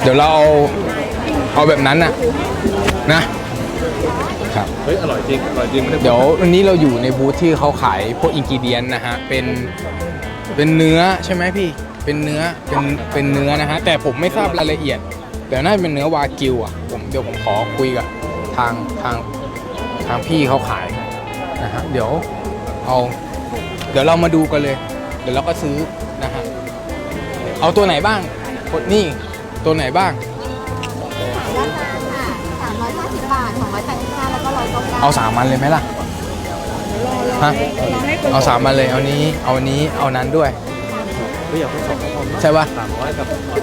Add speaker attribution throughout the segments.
Speaker 1: ดี๋ยวเราเอาแบบนั้นนะครับ
Speaker 2: เฮ้ยอร่อยจริงอร่อยจริงไม่ได้
Speaker 1: เดี๋ยววันนี้เราอยู่ในบูธที่เขาขายพวกอินกิเดียนนะฮะเป็นเนื้อใช่ไหมพี่เป็นเนื้อนะฮะแต่ผมไม่ทราบรายละเอียดเดี๋ยวน่าจะเป็นเนื้อวากิวอ่ะเดี๋ยวผมขอคุยกับทางพี่เขาขายนะฮะเดี๋ยวเรามาดูกันเลยเดี๋ยวเราก็ซื้อนะฮะเอาตัวไหนบ้างนี่ตัวไหนบ้าง
Speaker 3: ราคาค่ะ350 บาท285แล้วก็199
Speaker 1: เอา3 อันเลยไหมล่ะฮะเอา3 อันเลยเอานี้เอานั้นด้วย
Speaker 2: เฮ้ยอยากให้2คน
Speaker 1: ใช่ป่ะ
Speaker 2: 300กับ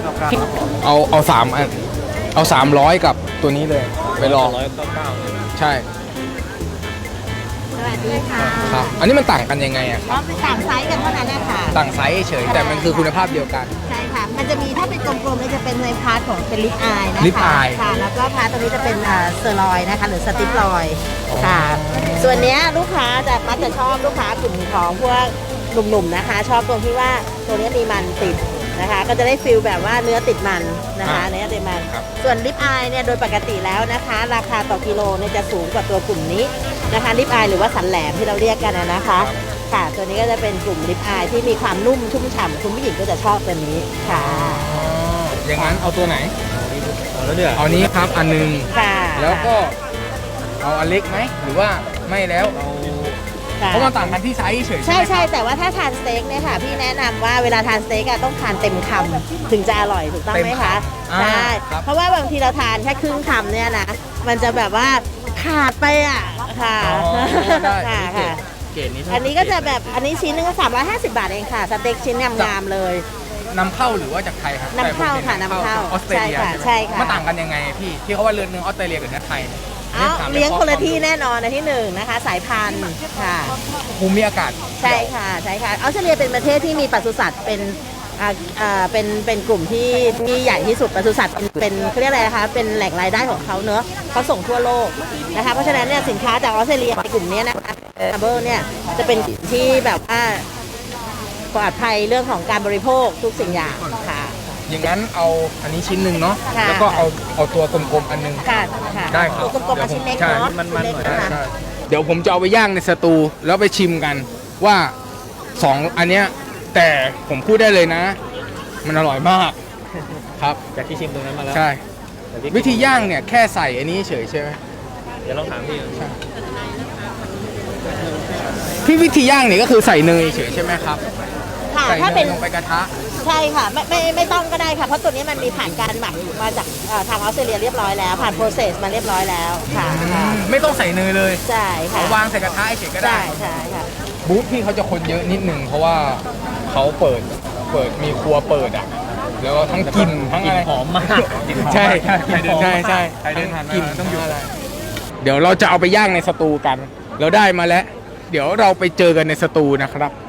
Speaker 2: 199
Speaker 1: เอา3 อันเอา300กับตัวนี้เลยไปลอง
Speaker 2: 199
Speaker 1: ใช่
Speaker 3: สวัสดีค่ะ
Speaker 1: ครับอันนี้มันต่างกันยังไงอะครับ
Speaker 3: ต่างไซส์กันเท่านั้นนะคะ
Speaker 1: ต่างไซส์เฉยแต่มันคือคุณภาพเดียวกัน
Speaker 3: ใช่ค่ะมันจะมีถ้าเป็นกลมๆเนี่ยจะเป็นในพาร์ทของเป็นลิปอายนะคะ
Speaker 1: ลิปอาย
Speaker 3: ค่ะแล้วก็พาร์ทตรงนี้จะเป็นเซอร์ลอยนะคะหรือสติปลอยค่ะส่วนเนี้ยลูกค้ามักจะชอบลูกค้ากลุ่มของพวกหนุ่มๆนะคะชอบตรงที่ว่าตัวนี้มีมันติดนะคะก็จะได้ฟิลแบบว่าเนื้อติดมันนะคะเนื้อติดมันส่วนลิปอายเนี่ยโดยปกติแล้วนะคะราคาต่อกิโลเนี่ยจะสูงกว่าตัวกลุ่มนี้นะคะลิปอายหรือว่าสันแหลมที่เราเรียกกันนะคะค่ะตัวนี้ก็จะเป็นกลุ่มลิปอายที่มีความนุ่มชุ่มฉ่ำคุณผู้หญิงก็จะชอบตัวนี้ค่ะ
Speaker 1: อย่างนั้นเอาตัวไหน
Speaker 2: แล้วเนี่ย
Speaker 1: เอานี้ครับอันนึง
Speaker 3: ค่ะ
Speaker 1: แล้วก็เอาอันเล็กไหมหรือว่าไม่แล้วเพราะมันต่างกันที่ไซส์เฉย
Speaker 3: ใช่แต่ว่าถ้าทานสเต็กเนี่ยค่ะพี่แนะนำว่าเวลาทานสเต็กต้องทานเต็มคำถึงจะอร่อยถูกต้องไหมคะใช่เพราะว่าบางทีเราทานแค่ครึ่งคำเนี่ยนะมันจะแบบว่าขาดไปค่ะค่ะอันนี้ก็จะแบบอันนี้ชิ้นนึงก็350 บาทเองค่ะสเต็กชิ้นงามๆเลย
Speaker 1: นำเข้าหรือว่าจากไทยครับ
Speaker 3: นำเข้าค่ะนำเข้า
Speaker 1: ออสเตรเลีย
Speaker 3: ใช่ค่ะ
Speaker 1: มันต่างกันยังไงพี่ที่เขาว่าเลือดเนื้อออสเตรเลียกับเนื้อไทย
Speaker 3: เลี้ยงคนละที่แน่นอนในที่หนึ่งนะคะสายพันธุ์ค่ะ
Speaker 1: ภูมิอากาศ
Speaker 3: ใช่ค่ะออสเตรเลียเป็นประเทศที่มีปศุสัตว์เป็นกลุ่มที่ใหญ่ที่สุดปศุสัตว์เป็นเขาเรียกอะไรนะคะเป็นแหล่งรายได้ของเขาเนอะเขาส่งทั่วโลกนะคะเพราะฉะนั้นเนี่ยสินค้าจากออสเตรเลียในกลุ่มนี้นะคะเบอร์เนี่ยจะเป็นที่แบบว่าปลอดภัยเรื่องของการบริโภคทุกสิ่งอย่างค่ะ
Speaker 1: อย่างนั้นเอาอันนี้ชิ้นหนึ่งเนาะแล้วก็เอาตัวกลมๆอันนึงได้ครับ
Speaker 3: ตัวกลมๆชิ้นเล็กเนาะ
Speaker 2: มันหน่อย
Speaker 1: เดี๋ยวผมจะเอาไปย่างในสตูแล้วไปชิมกันว่า2 อันเนี้ยแต่ผมพูดได้เลยนะมันอร่อยมากครับ
Speaker 2: จากที่ชิมตรงนั้นมาแล้ว
Speaker 1: ใช่วิธีย่างเนี่ยแค่ใส่อันนี้เฉยใช่ไหม
Speaker 2: เดี๋ยวลองถาม
Speaker 1: พี่วิธีย่างเนี่ยก็คือใส่เนยเฉยใช่ไหมครับ
Speaker 3: ค่ะถ้าเป็น
Speaker 1: ลงไปกระทะ
Speaker 3: ใช่ค่ะไม่ต้องก็ได้ค่ะเพราะตัวนี้มันมีผ่านการหมักมาจากทางออสเตรเลียเรียบร้อยแล้วผ่านโปรเซสมาเรียบร้อยแล้วค่ะ
Speaker 1: ไม่ต้องใส่เนยเลย
Speaker 3: ใช่ค่ะ
Speaker 1: วางใส่กระทะเฉยก็ได้
Speaker 3: ใช่ค่ะ
Speaker 1: บูธพี่เขาจะคนเยอะนิดนึงเพราะว่าเขาเปิดมีครัวเปิดแล้วก็ทั้งกลิ่นทั้งอะไร
Speaker 2: หอมมาก
Speaker 1: ใช่ใช่กลิ่นต้องอยู่อะไรเดี๋ยวเราจะเอาไปย่างในสตูกันเราได้มาแล้วเดี๋ยวเราไปเจอกันในสตูนะครับ